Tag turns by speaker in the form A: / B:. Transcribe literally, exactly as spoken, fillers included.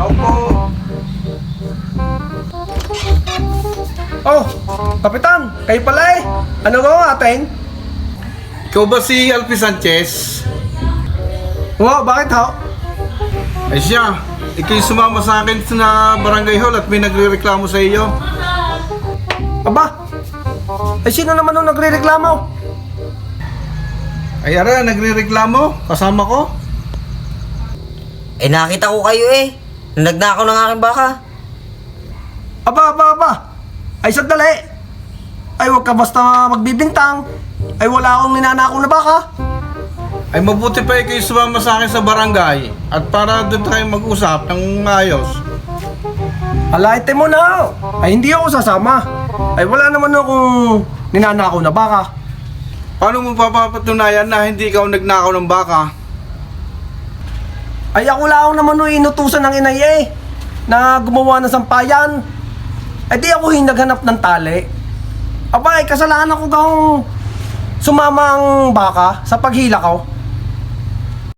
A: Tao po.
B: Oh, Kapitan, kayo pala eh. Ano ba ating?
A: Ikaw ba si Alfie Sanchez?
B: Wow, bakit ho?
A: Ay siya, ikaw yung sumama sa akin sa barangay hall at may nagre-reklamo sa iyo.
B: Aba, ay sino naman nung nagre-reklamo?
A: Ay ara, nagre-reklamo? Kasama ko?
C: Eh nakita ko kayo eh. Nagnakaw ng aking baka.
B: Aba, aba, aba. Ay sandali. Ay wag ka basta magbibintang. Ay wala akong ninanakaw na baka.
A: Ay mabuti pa ikaw yung sumama sa akin sa barangay at para doon tayo mag-usap ng maayos.
B: Alaite mo na ho. Ay hindi ako sasama. Ay wala naman akong ninanakaw na baka.
A: Paano mo papapatunayan na hindi ikaw nagnakaw ng baka?
B: Ay ako lang naman nung inutusan ng inay eh, na gumawa ng sampayan. Ay di ako yung naghanap ng tali. Aba ay kasalanan ko kang sumama ang baka sa paghila ko.